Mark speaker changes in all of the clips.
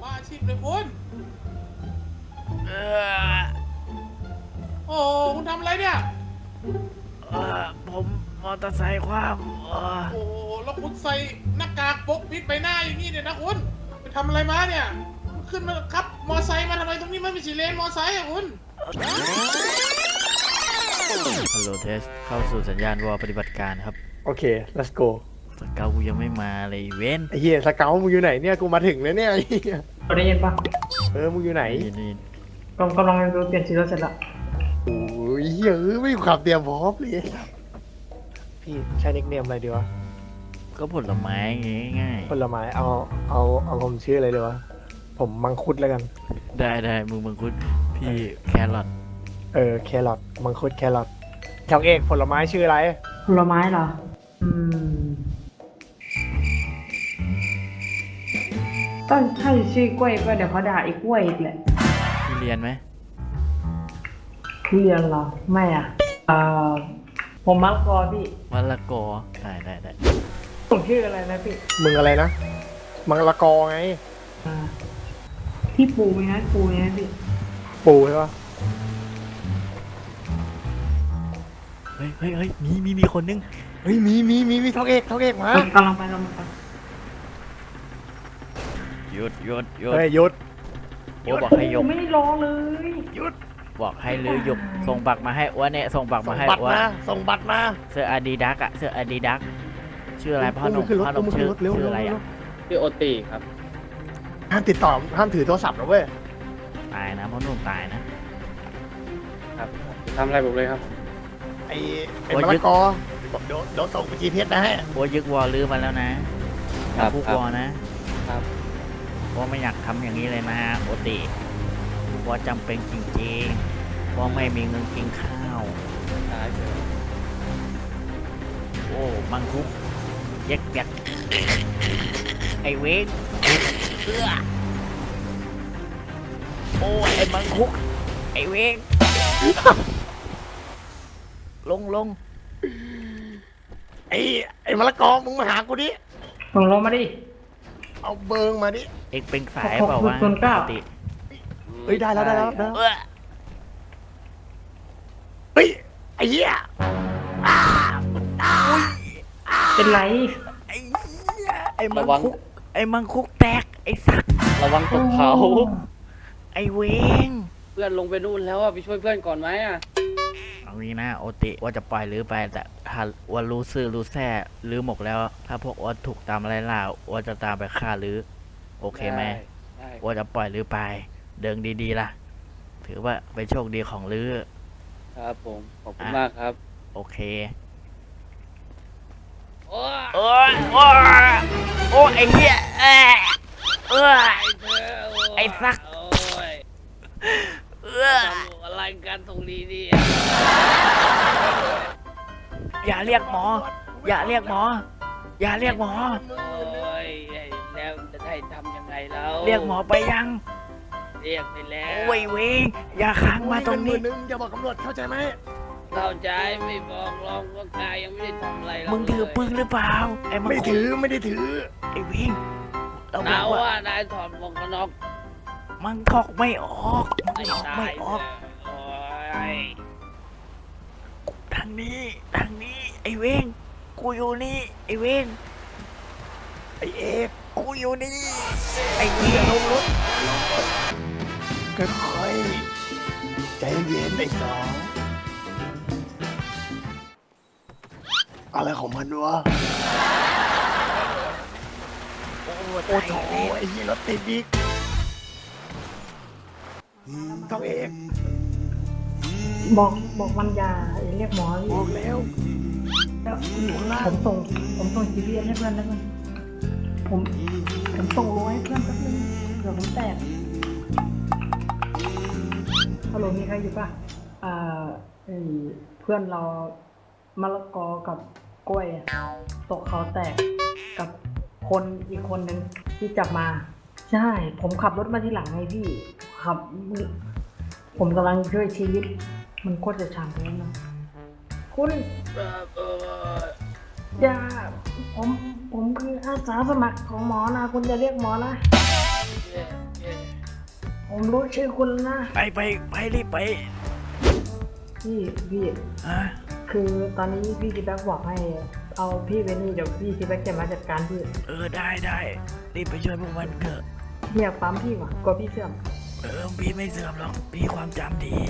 Speaker 1: บ้าอาชีพเลยคุณ
Speaker 2: เออ
Speaker 1: โอ้คุณทำอะไรเนี่ย
Speaker 2: ผมมอเตอร์ไซค์คว่ำ
Speaker 1: โอ้แล้วคุณใส่หน้ากากปกปิดใบหน้าอย่างนี้เนี่ยนะคุณไปทำอะไรมาเนี่ยขึ้นมาครับมอไซค์มาทำไมตรงนี้มันไม่ใช่เลนมอไซค์อะคุณ
Speaker 2: ฮัลโหลเทสเข้าสู่สัญญาณวอลปฏิบัติการครับ
Speaker 3: โอเค let's go
Speaker 2: สเกากูยังไม่มาเลยเว้น
Speaker 3: ไอ้เหี้ยสเกลมึงอยู่ไหนเนี่ยกูมาถึงแล้วเนี่ยไอ้เหี้ย
Speaker 4: ได้ยินปะ
Speaker 3: มึงอยู่ไหน
Speaker 2: นี่
Speaker 4: กำลังดูเปลี่ยนสีรถเสร็จแล้ว
Speaker 3: โอ้ยเหี้ยไม่มีความเตรียมพร้อมเลยพี่ใช้นิคเนมอะไรดีวะ
Speaker 2: ก็ผลไม้ง่าย
Speaker 3: ผลไม้เอาผมชื่ออะไรดีวะผมมังคุดแล้วกัน
Speaker 2: ๆได้มึงมังคุดพี่แครอท
Speaker 3: แครอทมังคุดแครอทช่างเอกผลไม้ชื่ออะไร
Speaker 4: ผลไม้เหรอต้องถ้าชื่อกล้วยก็เดี๋ยวเขาด่าอีกกล้วยอีกแหละ
Speaker 2: พี่เรียนไหม
Speaker 4: ทุเรียนเหรอไม่อ่ะผมมะละกอพี่
Speaker 2: มะละกอได้
Speaker 4: ผมชื่ออะไรนะพี่
Speaker 3: มึงอะไรนะมังละกอไง
Speaker 4: พี่ปูไหมนะปูไหมนะพี่
Speaker 3: ปูใช่ปะ
Speaker 2: เฮ้ยมีคนนึง
Speaker 3: เฮ้ยมีช่างเอกมาก
Speaker 4: ำลังไป
Speaker 2: หยุด
Speaker 3: เฮ้ยหยุด
Speaker 2: โอ้บอกให้ยก
Speaker 4: ไม่ได้รอเลย
Speaker 2: บอกให้ลือยกส่งบักมาให้อ้วนเนี่ยส่งบัก
Speaker 3: ส่
Speaker 2: มาง ให้
Speaker 3: บัตร
Speaker 2: อ้วน
Speaker 3: มาส่งบัตรมา
Speaker 2: เสื้ออาดิดาสอะเสื้ออาดิดาสชื่ออะไรพ่อหนุ่ม
Speaker 3: ขึ้นรถ
Speaker 2: พ่อหนุ่ม
Speaker 3: ขึ้น
Speaker 2: ชื่อ
Speaker 3: รถเร็ว
Speaker 2: ชื่ออะไรอะ
Speaker 5: ชื่อโอตีครับ
Speaker 3: ห้ามติดต่อห้ามถือโทรศัพท์นะเว้ย
Speaker 2: ตายนะพ่อหนุ่มตายนะครับ
Speaker 5: ทำอะไรผมเลยครับ
Speaker 3: ไอ้มะละกอเดี๋ยวส่งไป GPS นะฮะ
Speaker 2: โอ้ยึกวอลลือมาแล้วนะครับ พูกวอลนะครับ วอไม่อยากทำอย่างนี้เลยนะโอติวอจำเป็นจริงๆวอไม่มีเงินกินข้าว
Speaker 5: ตายเถอะ
Speaker 2: โอ้มังคุกยักไอเวกเอื้อโอ้ไอมังคุกไอเวกลง
Speaker 3: ไอ้มะละกอมึงมาหากูดิ
Speaker 4: ส่งลงมาดิ
Speaker 3: เอาเบิงมาดิ
Speaker 2: เอกเป็นสายเปล่าวะ
Speaker 4: 609
Speaker 2: ปกติ
Speaker 3: เฮ้ยได้แล้ว
Speaker 2: เอื้อ
Speaker 3: เฮ้ยไอ้เหี้ย
Speaker 4: เป็นไร
Speaker 2: ไอ้เหี้ยไอ้มังคุกแตกไอ้สัตว์
Speaker 5: ระวังตกเขา
Speaker 2: ไอ้เวง
Speaker 5: เพื่อนลงไปนู่นแล้วอะไปช่วยเพื่อนก่อนไหมอะ
Speaker 2: เอางี้นะโอติว่าจะปล่อยหรือไปแต่ถ้าว่ารู้ซื่อรู้แท้หรือหมกแล้ว ถ้าพวกว่าถูกตามอะไรล่าว่าจะตามไปฆ่าหรือโอเคไหม
Speaker 5: ได้
Speaker 2: ว่าจะปล่อยหรือไปเดินดีๆล่ะ ถือว่าเป็นโชคดีของลือ
Speaker 5: ครับผม ขอบคุณมากครับ
Speaker 2: โอเค
Speaker 5: โอ้ย
Speaker 2: โอ้ยโอ้ไอ้เหี้ย
Speaker 5: ไอ้เธอโย
Speaker 2: ไอ้สัก
Speaker 5: โอ้ย
Speaker 2: เอื้อ
Speaker 5: ทำอะไรกันตรงนี้เนี่ย
Speaker 2: อย่าเรียกหมอ อย่าเรียกหมอ อย่าเรียกหมอ
Speaker 5: โอ้ยแล้วจะได้ทำยังไงแล้ว
Speaker 2: เรียกหมอไปยัง
Speaker 5: เรียกไปแล้ว
Speaker 2: โอ้ยเวงอย่าค้างมาตรงนี้
Speaker 3: นึงอย่าบอกตำรวจเข้าใจไหม
Speaker 5: เข้าใจไม่บอกลองว่ากายยังไม่ได้ทำอะไรเรา
Speaker 2: มึงถือปืนหรือเปล่าไอ้มัง
Speaker 3: ไม่
Speaker 2: คุ
Speaker 3: ถื
Speaker 2: ด
Speaker 3: อไม่ได้ถือ
Speaker 2: ไอ้เวงเราบ
Speaker 5: นา
Speaker 2: อกว่า
Speaker 5: ว่านายถอดหมวกกันน็อก
Speaker 2: มันถอกไม่ออกมัน
Speaker 5: ไอ้
Speaker 2: ถอก
Speaker 5: ตา
Speaker 2: ไม่
Speaker 5: ย
Speaker 2: ออก
Speaker 5: โอ้ย
Speaker 2: ทางนี้ไอ้เวงกูอยู่นี่ไอ้เวง
Speaker 3: ไอ้เอก
Speaker 2: กูอยู่นี่ไอ้เวง
Speaker 3: ค่อยๆใจเย็นไอ้สองอะไรของมันวะ
Speaker 2: โอ้
Speaker 3: โอ้
Speaker 2: ตาย
Speaker 3: โห
Speaker 2: แล้ว
Speaker 3: ไอ้เหี้ยรถติดอีกต้องเอก
Speaker 4: บอกมันอย่าเรียกหมอพี่
Speaker 3: บอกแล้ว อยู่ข้างล่าง
Speaker 4: ผมส่ง GPS ให้เพื่อนแล้วกันผมส่งโลให้เพื่อนแป๊บนึงเผื่อผมแตกฮัลโหลมีใครอยู่ป่ะไอ้เพื่อนเรามะละกอกับกล้วยอะตกเขาแตกกับคนอีกคนนึงที่จับมา ใช่ ผมขับรถมาที่หลังไงพี่ขับ ผมกำลังช่วยชีวิต มันโคตรจะช้ำเลยนะคุณ
Speaker 5: เออ
Speaker 4: อย่าผมคืออาสาสมัครของหมอนะ คุณจะเรียกหมอนะ
Speaker 5: เ
Speaker 4: ผมรู้ชื่อคุณนะ
Speaker 2: ไปรีบไป
Speaker 4: พี่
Speaker 2: ฮะ
Speaker 4: คือตอนนี้พี่คิดแบ็กบอกให้เอาพี่เวนี่เดี๋ยวพี่คิดแบ็กจะมาจัดการพี่
Speaker 2: ได้รีบไปช่วยพวกมันเถอะ
Speaker 4: เรียกปั๊มพี่ว่ะกลัวพี่เสื่อม
Speaker 2: พี่ไม่เสื่อมหรอกพี่ความจำดี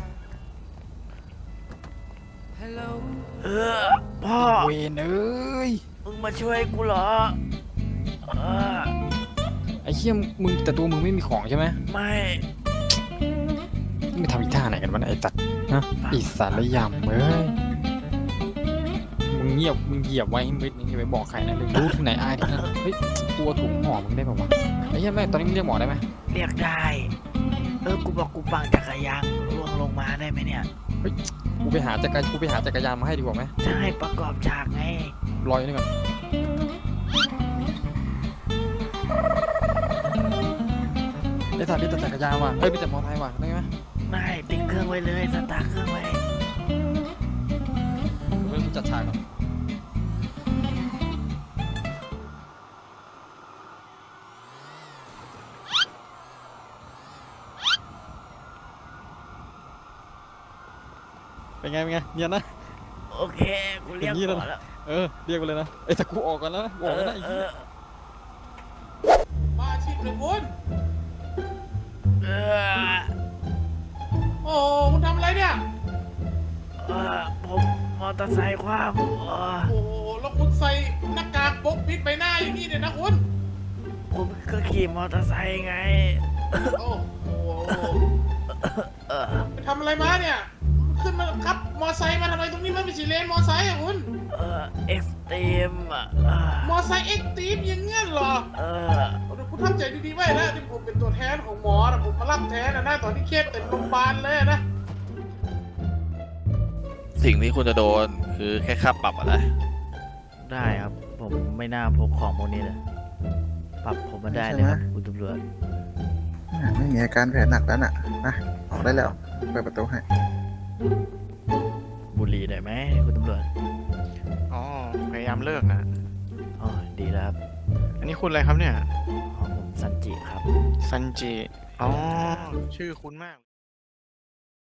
Speaker 2: พ่อ
Speaker 6: เวนเอ้ย
Speaker 2: มึงมาช่วยกูเหรอเออ
Speaker 6: ไอ้เหี้ยมึงแต่ตัวมึงไม่มีของใช่ไหม
Speaker 2: ไม่
Speaker 6: มึงทำอีท่าไหนกันวะเนี่ยไอ้ตัดฮะไอีสารยำเอ้ยมึงเหยียบไว้ให้มิดนี่อย่าไปบอกใครนะเลยรู้ที่ไหนอายที่นั่นเฮ้ยกลัวถุงห่อมึงได้ป่าวะไอ้เหี้ยแม่ตอนนี้มึงเรียกหมอได้ไหม
Speaker 2: เรียกได้กูบอกกูปังจักรยานล่วงลงมาได้ไหมเนี่ย
Speaker 6: กูไปหาจักรยานมาให้ดีกว่าไหม
Speaker 2: จะให้ประกอบฉากไง
Speaker 6: รออยู่นี่ก่อนไอ้สัตว์นี่แต่จักรยานว่ะเฮ้ยมีแต่มอเตอร์ไซค์ว่ะได้ไหม
Speaker 2: ไม่ติดเครื่องไว้เลยสตาร์ทเครื่องไว้
Speaker 6: เฮ้ยกูจัดฉากก่อนเป็นไงเนียนนะ
Speaker 2: โอเคกูเรียก
Speaker 6: อย่างนี้
Speaker 2: ห
Speaker 6: แล้ว
Speaker 2: มอ
Speaker 6: นะ
Speaker 2: แล้ว
Speaker 6: เรียกไปเลยนะไอ้แต่กูออกก่อนแล้วนะกูออกแล้วนะไอ้เหี้ย
Speaker 1: มาอาชีพเลยคุณ
Speaker 2: เออ
Speaker 1: โอ้คุณทำอะไรเนี่ย
Speaker 2: ผมมอเตอร์ไซค์คว่ำ
Speaker 1: โอ้แล้วคุณใส่หน้ากากปกปิดใบหน้าอย่างนี้เนี่ยนะคุณ
Speaker 2: ผมก็ขี่มอเตอร์ไซค์ไง
Speaker 1: โอ้โหไปทำอะไรมาเนี่ย ขึ้นมาขับมอไซค์มาทำไมตรงนี้ไม่เป็นสีเลนมอไซค์อะคุณ
Speaker 2: เอ็กซ์ตรีม
Speaker 1: มอไซค์เอ็กซ์ตรีมอย่างเงี้ยเหรอเดี๋ยวคุณทำใจดีๆไว้นะที่ผมเป็นตัวแทนของหมอนะผมมารับแทนนะตอนที่เคสเต็มโรงพยาบาลเลยนะ
Speaker 7: สิ่งที่คุณจะโดนคือแค่ค่าปรับอะไร
Speaker 2: ได้ครับ ผมไม่น่าพกของพวกนี้เลยปรับผมมาได้เลยครับคุณตำรวจ
Speaker 8: ไม่มีอาการแผลหนักแล้วน่ะนะออกได้แล้ว เปิดประตูให้
Speaker 2: บุหรี่ได้ไหมคุณตำรวจ
Speaker 3: อ๋อพยายามเลิกนะ
Speaker 2: อ๋อดีแล้วครับ
Speaker 3: อันนี้คุณอะไรครับเนี่ย
Speaker 2: อ๋อผมซันจิครับ
Speaker 3: ซันจิอ๋อชื่อคุณมาก